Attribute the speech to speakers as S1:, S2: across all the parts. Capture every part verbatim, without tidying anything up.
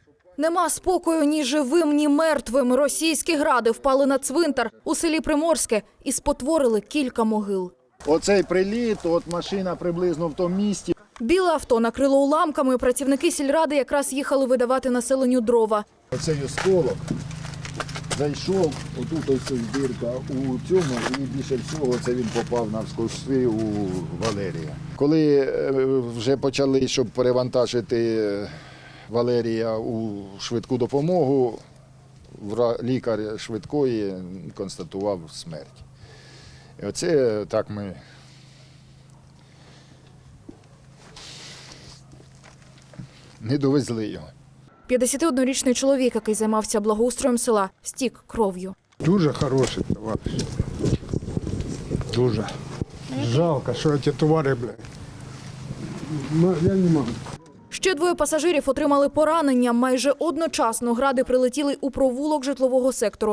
S1: Нема спокою ні живим, ні мертвим. Російські гради впали на цвинтар у селі Приморське і спотворили кілька могил.
S2: Оцей приліт, от машина приблизно в тому місці.
S1: Біле авто накрило уламками. Працівники сільради якраз їхали видавати населенню дрова.
S2: Оцей осколок зайшов, отут ось дірка у цьому, і більше всього це він попав навскоси у Валерія. Коли вже почали, щоб перевантажити Валерія у швидку допомогу, лікар швидкої констатував смерть. І оце так ми не довезли його.
S1: п'ятдесятиоднорічний чоловік, який займався благоустроєм села, стік кров'ю.
S3: Дуже хороший товариш. Дуже. Жалко, що ці товари, блядь. Ну, я не можу.
S1: Ще двоє пасажирів отримали поранення. Майже одночасно гради прилетіли у провулок житлового сектору.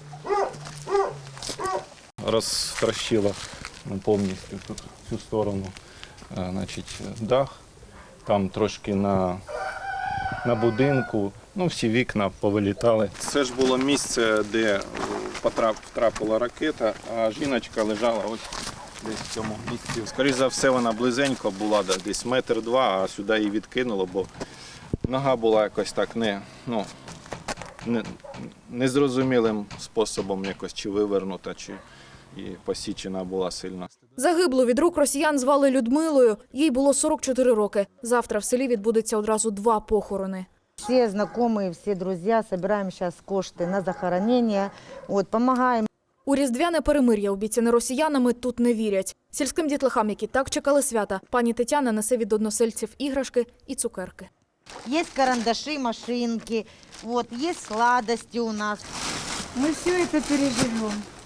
S4: Розтрощило повністю тут всю сторону, значить, дах. Там трошки на, на будинку, ну всі вікна повилітали. Це ж було місце, де потрап, втрапила ракета, а жіночка лежала ось десь в цьому місці. Скоріше за все, вона близенько була, десь метр два, а сюди її відкинуло, бо нога була якось так не, ну, не, незрозумілим способом якось чи вивернута, чи і посічена була сильно.
S1: Загиблу від рук росіян звали Людмилою. Їй було сорок чотири роки. Завтра в селі відбудеться одразу два похорони.
S5: Всі знайомі, всі друзі збираємо зараз кошти на захоронення, от, допомагаємо.
S1: У різдвяне перемир'я, обіцяне росіянами, тут не вірять. Сільським дітлахам, які так чекали свята, пані Тетяна несе від односельців іграшки і цукерки.
S5: Є карандаші, машинки, от, є сладості у нас.
S6: Ми все це переживемо.